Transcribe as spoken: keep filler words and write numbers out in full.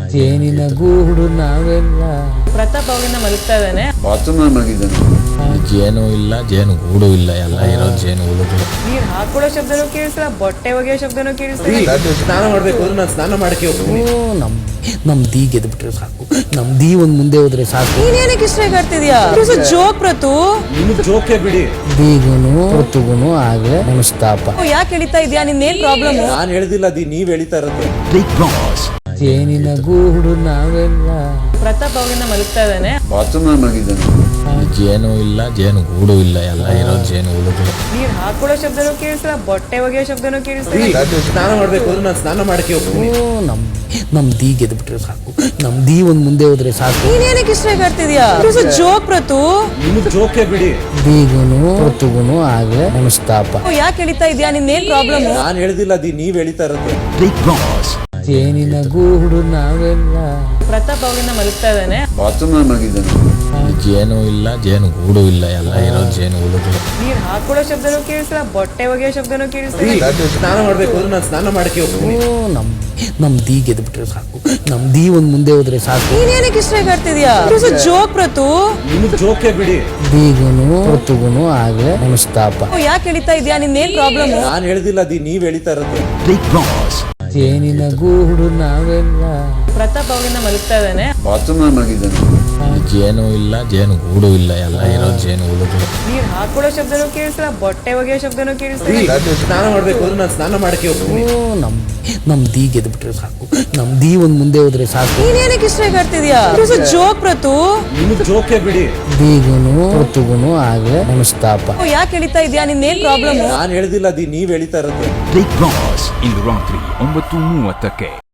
ಜೇನಿನ ಗೂಡು ನಾವೆಲ್ಲ. ಪ್ರತಾಪ್ ಅವಾಗಿಂದ ಮಲಗ್ತಾ ಇದ್ದಾನೆ. ಬಾತ್ರೂಮ್ ಮಲಗಿದ್ದಾನೆ. ಜೇನು ಇಲ್ಲ, ಜೇನು ಗೂಡು ಇಲ್ಲ, ಎಲ್ಲ ಇರೋ ಜೇನು ಹುಳುಗಳು. ನೀರ್ ಹಾಕೊಳ್ಳೋ ಶಬ್ದನೂ ಕೇಳಿಸ್ತಾ, ಬಟ್ಟೆ ಒಗೆಯೋ ಶಬ್ದನೂ ಕೇಳಿಸ್ತಾ. ಸ್ನಾನ ಮಾಡ್ಬೇಕು ಅಂದ್ರೆ ನಾನು ಸ್ನಾನ ಮಾಡಕ್ಕೆ ಹೋಗ್ತೀನಿ. ನಮ್ ನಮ್ ದಿ ಗೆದ್ಬಿಟ್ರೆ ಸಾಕು, ನಮ್ ದಿ ಒಂದ್ ಮುಂದೆ ಹೋದ್ರೆ ಸಾಕು. ನೀನೇನಕ್ಕೆ ಇಷ್ಟ ಆಡ್ತಿದ್ಯಾ? ಜೋಕ್ ಪ್ರತು. ನಿಮ್ಗೆ ಜೋಕೆ ಬಿಡಿ. ದಿಗುನು ಋತುಗುನು ಆಗ್ಲೇ ಮನಸ್ತಾಪ. ಯಾಕೆ ಎಳಿತಾ ಇದ್ಯಾ? ನಿನ್ನೇನ್ ಪ್ರಾಬ್ಲಮ್? ನಾನ್ ಹೇಳ್ದಿಲ್ಲ, ದಿ ನೀವ್ ಎಳಿತಾ ಇರೋದು. ಜೇನಿನ ಗೂಡು ನಾವೆಲ್ಲ. ಪ್ರತಾಪ್ ಅವಾಗಿಂದ ಮಲಗ್ತಾ ಇದ್ದಾನೆ. ಬಾತ್ರೂಮ್ ಮಲಗಿದ್ದಾನೆ. ಜೇನು ಇಲ್ಲ, ಜೇನು ಗೂಡು ಇಲ್ಲ, ಎಲ್ಲ ಇರೋ ಜೇನು ಹುಳುಗಳು. ನೀರ್ ಹಾಕೊಳ್ಳೋ ಶಬ್ದನೂ ಕೇಳಿಸ್ತಾ, ಬಟ್ಟೆ ಒಗೆಯೋ ಶಬ್ದನೂ ಕೇಳಿಸ್ತಾ. ಸ್ನಾನ ಮಾಡ್ಬೇಕು ಅಂದ್ರೆ ನಾನು ಸ್ನಾನ ಮಾಡಕ್ಕೆ ಹೋಗ್ತೀನಿ. ನಮ್ ನಮ್ ದಿ ಗೆದ್ಬಿಟ್ರೆ ಸಾಕು, ನಮ್ ದಿ ಒಂದ್ ಮುಂದೆ ಹೋದ್ರೆ ಸಾಕು. ನೀನೇನಕ್ಕೆ ಇಷ್ಟ ಆಡ್ತಿದ್ಯಾ? ಜೋಕ್ ಪ್ರತು. ನಿಮ್ಗೆ ಜೋಕೆ ಬಿಡಿ. ದಿಗುನು ಋತುಗುನು ಆಗ್ಲೇ ಮನಸ್ತಾಪ. ಯಾಕೆ ಎಳಿತಾ ಇದ್ಯಾ? ನಿನ್ನೇನ್ ಪ್ರಾಬ್ಲಮ್? ನಾನ್ ಹೇಳ್ದಿಲ್ಲ, ದಿ ನೀವ್ ಎಳಿತಾ ಇರೋದು. ಜೇನಿನ ಗೂಡು ನಾವೆಲ್ಲ. ಪ್ರತಾಪ್ ಅವಾಗಿಂದ ಮಲಗ್ತಾ ಇದ್ದಾನೆ. ಬಾತ್ರೂಮ್ ಮಲಗಿದ್ದಾನೆ. ಜೇನು ಇಲ್ಲ, ಜೇನು ಗೂಡು ಇಲ್ಲ, ಎಲ್ಲ ಇರೋ ಜೇನು ಹುಳುಗಳು. ನೀರ್ ಹಾಕೊಳ್ಳೋ ಶಬ್ದನೂ ಕೇಳಿಸ್ತಾ, ಬಟ್ಟೆ ಒಗೆಯೋ ಶಬ್ದನೂ ಕೇಳಿಸ್ತಾ. ಸ್ನಾನ ಮಾಡ್ಬೇಕು ಅಂದ್ರೆ ನಾನು ಸ್ನಾನ ಮಾಡಕ್ಕೆ ಹೋಗ್ತೀನಿ. ನಮ್ ನಮ್ ದಿ ಗೆದ್ಬಿಟ್ರೆ ಸಾಕು, ನಮ್ ದಿ ಒಂದ್ ಮುಂದೆ ಹೋದ್ರೆ ಸಾಕು. ನೀನೇನಕ್ಕೆ ಇಷ್ಟ ಆಡ್ತಿದ್ಯಾ? ಜೋಕ್ ಪ್ರತು. ನಿಮ್ಗೆ ಜೋಕೆ ಬಿಡಿ. ದಿಗುನು ಋತುಗುನು ಆಗ್ಲೇ ಮನಸ್ತಾಪ. ಯಾಕೆ ಎಳಿತಾ ಇದ್ಯಾ? ನಿನ್ನೇನ್ ಪ್ರಾಬ್ಲಮ್? ನಾನ್ ಹೇಳ್ದಿಲ್ಲ, ದಿ ನೀವ್ ಎಳಿತಾ ಇರೋದು. ಜೇನಿನ ಗೂಡು ನಾವೆಲ್ಲ. ಪ್ರತಾಪ್ ಅವಾಗಿಂದ ಮಲಗ್ತಾ ಇದ್ದಾನೆ. ಬಾತ್ರೂಮ್ ಮಲಗಿದ್ದಾನೆ. ಜೇನು ಇಲ್ಲ, ಜೇನು ಗೂಡು ಇಲ್ಲ, ಎಲ್ಲ ಇರೋ ಜೇನು ಹುಳುಗಳು. ನೀರ್ ಹಾಕೊಳ್ಳೋ ಶಬ್ದನೂ ಕೇಳಿಸ್ತಾ, ಬಟ್ಟೆ ಒಗೆಯೋ ಶಬ್ದನೂ ಕೇಳಿಸ್ತಾ. ಸ್ನಾನ ಮಾಡ್ಬೇಕು ಅಂದ್ರೆ ನಾನು ಸ್ನಾನ ಮಾಡಕ್ಕೆ ಹೋಗ್ತೀನಿ. ನಮ್ ನಮ್ ದಿ ಗೆದ್ಬಿಟ್ರೆ ಸಾಕು, ನಮ್ ದಿ ಒಂದ್ ಮುಂದೆ ಹೋದ್ರೆ ಸಾಕು. ನೀನೇನಕ್ಕೆ ಇಷ್ಟ ಆಡ್ತಿದ್ಯಾ? ಜೋಕ್ ಪ್ರತು. ನಿಮ್ಗೆ ಜೋಕೆ ಬಿಡಿ. ದಿಗುನು ಋತುಗುನು ಆಗ್ಲೇ ಮನಸ್ತಾಪ. ಯಾಕೆ ಎಳಿತಾ ಇದ್ಯಾ? ನಿನ್ನೇನ್ ಪ್ರಾಬ್ಲಮ್? ನಾನ್ ಹೇಳ್ದಿಲ್ಲ, ದಿ ನೀವ್ ಎಳಿತಾ ಇರೋದು. ಇಂದು ರಾತ್ರಿ ಒಂಬತ್ತು ಮೂವತ್ತಕ್ಕೆ.